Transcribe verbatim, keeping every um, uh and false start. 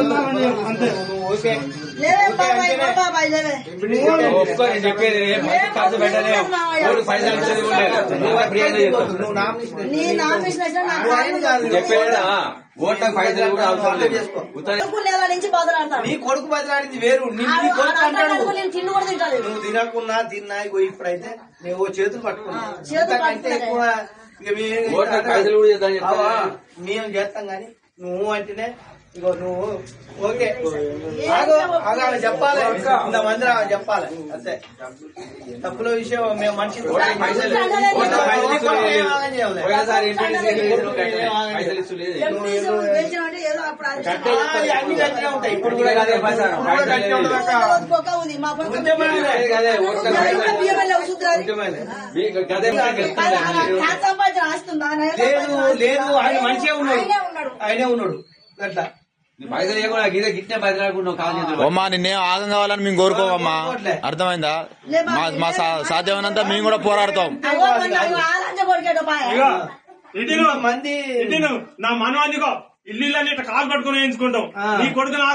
చెప్పేది ఖర్చు పెట్టలే పైసలు ఇచ్చేది చెప్పేదా ఓట్లకు పైసలు కూడా అవసరం లేదు. నీ కొడుకు బదిలాడింది వేరు, నువ్వు తినకున్నా తిన్నా ఇప్పుడైతే నువ్వు చేతులు పట్టుకున్నావు ఎక్కువ పైసలు కూడా చేద్దాం మేము చేస్తాం గాని నువ్వు అంటేనే ఇగో నువ్వు ఓకే ఆమె చెప్పాలి, ఇంతమంది ఆమె చెప్పాలి అంతే. తప్పుల విషయం మేము మనిషి అన్ని గట్టిగా ఉంటాయి. ఇప్పుడు కూడా లేదు లేదు ఆయన మంచిగా ఉన్నాడు, ఆయనే ఉన్నాడు అట్లా. అమ్మా నిన్నేం ఆగం కావాలని మేము కోరుకోమమ్మా, అర్థమైందా? మా సాధ్యమైనంత మేము కూడా పోరాడతాం. మంది నా మనం అందుకో ఇల్లు ఇట్లా కాలు పట్టుకుని వేయించుకుంటాం. నీ కొడుకు